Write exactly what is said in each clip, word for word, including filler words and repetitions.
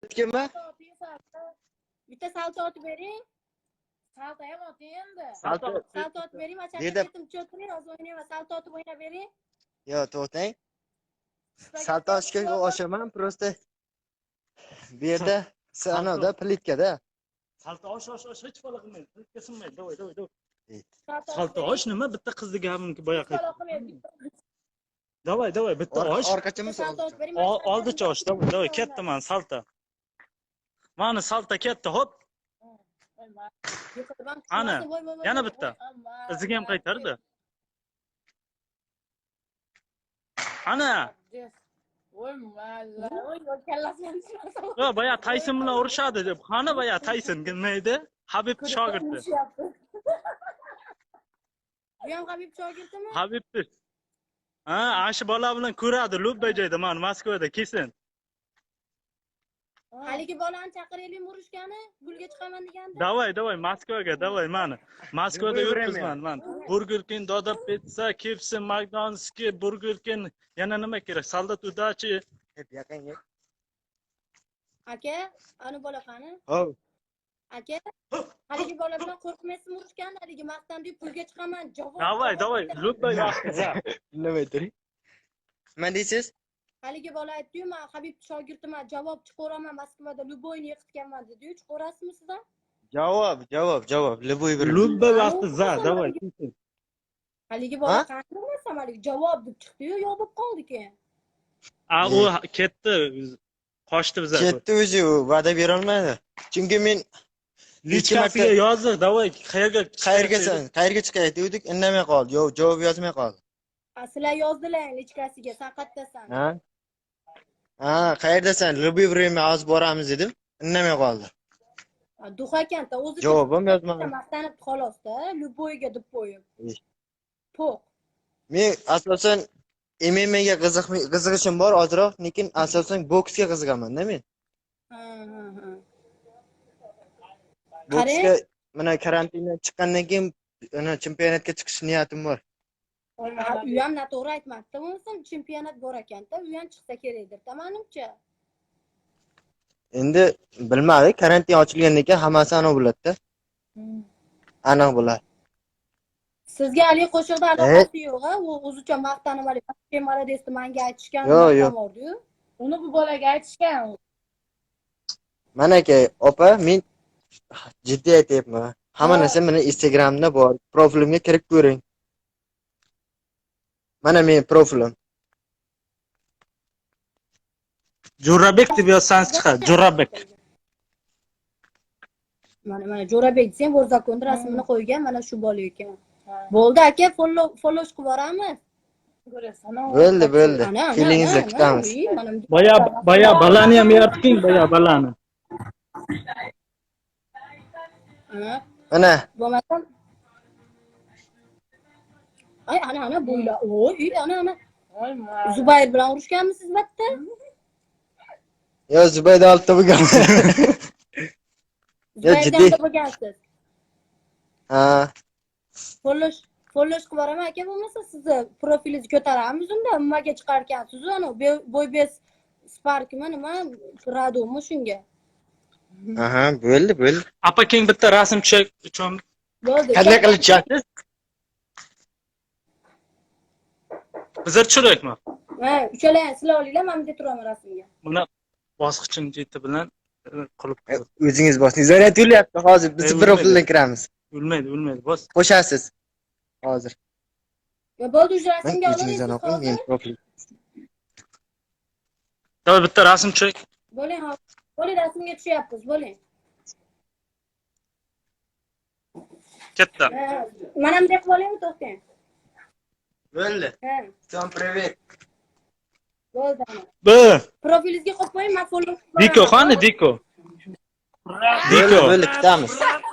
Kimma? Bitta salto otib bering. Salto ham oting endi. Salto. Salto otib bering, mana Yerda- ketim cho'tiring, hozir o'ynayman. Salto otib o'ynab bering. Yo, to'xtang. Salto ochga oshaman, просто bu yerda sanoda plitkada. Salto osh osh osh hech bola qilmaydi. Plitka sinmaydi. Davay, davay, davay. Salto Salto osh nima? Bitta qizni gapimki boya qayt. qilmaydi. Davay, davay, bitta osh. Orqachami Salto otib bering. O- Oldicha osh, davay, davay, katta man salto. Mana salto katta, hop. Ana, yana bitta. Iziga ham qaytardi. Ana, Voy malla, voy kallasidan chiqarsa. va boya Tayson bilan urushadi deb. Qani boya Tayson nima edi? Habib shogirdi. Bu ham Habib shogirdimi? Habibni. Ha, ashi bola bilan ko'radi Lubba joyda, mana Moskvada kesin. Haligi bolani chaqiraylik urushgani, gulga chiqaman deganda. Davay, davay, Moskvaga, davay, mana. Moskvada yuribman, man. Burger King, Doda Pizza, K F C, McDonald's, Burger King, yana nima kerak? Soldat udachi. Hep yaqinga. Aka, ani bola qani? Hov. Aka, haligi bola bilan qo'rqmaysizmi urushgan? Haligi maqtan deb pulga chiqaman. Javob. Davay, davay, Lubba yoqdi. Nima aytding? Nima deysiz? Haligi bola aytdi-yu, men Habib shogirdiman, javob chiqaraman Moskvada Luboyni yiqitganman dedi-yu, chiqarasizmi sizdan? Javob, javob, javob. Luboy bir. Lubba yoqdi, za, davay. Haligi bola qani bo'lmasam, haligi javob deb chiqdi-yu, yo'q bo'lib qoldi keyin. A, u ketdi. Qochdi bizga. Ketdi o'zi, u va'da bera olmadi. Chunki men Lichkasiga yozdik, davay, qayerga qayerga san, qayerga chiqay dedik, indamay qoldi. Yo'q, javob yozmay qoldi. Sizlar yozdilar lichkasiga, sen qayerdasan? Ha? Ha, qayerdasan? Luboy время hozir boramiz dedim, indamay qoldi. Duh ekanda, o'zi Javobim yozmadi. maqtanib xolos-da, Luboyga deb qo'yib. Po'q. Men asosan M M A ga qiziqishim bor ozroq, lekin asosan boksga qiziqaman-da men. Ha, ha, ha. Boksga mana karantindan chiqqandan keyin ana chempionatga chiqish niyatim bor. U ham noto'g'ri aytmadi. Bo'lmasam chempionat bor ekanda, u ham chiqsa kerakdir, tamanimcha. Endi bilmadik, karantin ochilgandan keyin hammasi aniq bo'ladi-da. Aniq bo'ladi. Sizga hali qo'shiqda aloqasi yo'q-a? U o'zicha maqtanib hali Maradesni menga aytishgan, Yo'q, yo'q. bordi-yu. Uni bu bolaga aytishgan. Mana aka, opa, men jiddiy aytayapman. Hamma narsa meni Instagramda bor. Profilimga kirib ko'ring. Mana men profilim. Jo'rabek deb yozsangiz chiqadi, Jo'rabek. Mana mana Jo'rabek desang, Bo'rzakonda rasmini qo'ygan, mana shu bola ekan. Bo'ldi aka, follow follow qilib boramiz. Bo'ldi, bo'ldi. Kelingizni kutamiz. Boya, boya balani ham yaratding, boya balani. Mana Bo'lmasam Ay, ana ana bo'yla. Oy, ana ana. Zubayr bilan urushganmisiz batta? yo Zubayda oltita bo'lgan. Yo jiddiy. bo'lgansiz. Ha, Follow follow qilib boraman aka, bo'lmasa sizni profilingizni ko'taramiz unda, nimaga chiqarkansiz ana bo'ybes Sparkmi nima Radomi shunga. aha, bo'ldi, bo'ldi. Apa keng bitta rasm tushak uchun Bo'ldi. Qanday qilib tushyapsiz? bizlar tushiraylikmi? Ha, uchalang sizlar olinglar, men bunda turaman rasmga. Buni bosqichini jeti bilan qilib O'zingiz bosing. Zaryad yo'lyapti hozir. Biz bir profildan kiramiz. Bilmaydi, bilmaydi. Bos. Qo'shasiz. Hozir. Ya bo'ldi, o'sha Men rasmga o'zingizdan olasiz. o'qing, men profil. Davay bitta rasm tushak. Bo'ling, ha. Bo'ling, rasmga tushyapmiz, bo'ling. Katta. Mana bunday qilib olaymi, to'xtang. Bo'ldi. Ha, Всем привет. bo'ldi. B. Profilingizga qo'yib qo'ying, men follow qilib Diko, qani Diko? Diko. Bo'ldi, kutamiz.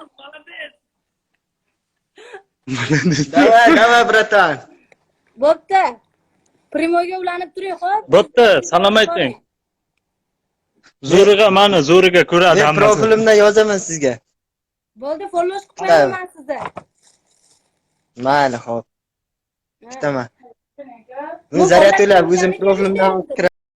Давай, давай, bratан. Bo'pti. Primoyga ulanib turing, xo'p? Bo'pti, salom ayting. Zo'riga mana, zo'riga ko'radi Men hammasi. profilimdan yozaman sizga. Bo'ldi, follow qilib qo'yaman sizni. Mayli, xo'p. Kutaman. Men zaryad o'ylab o'zim profilimdan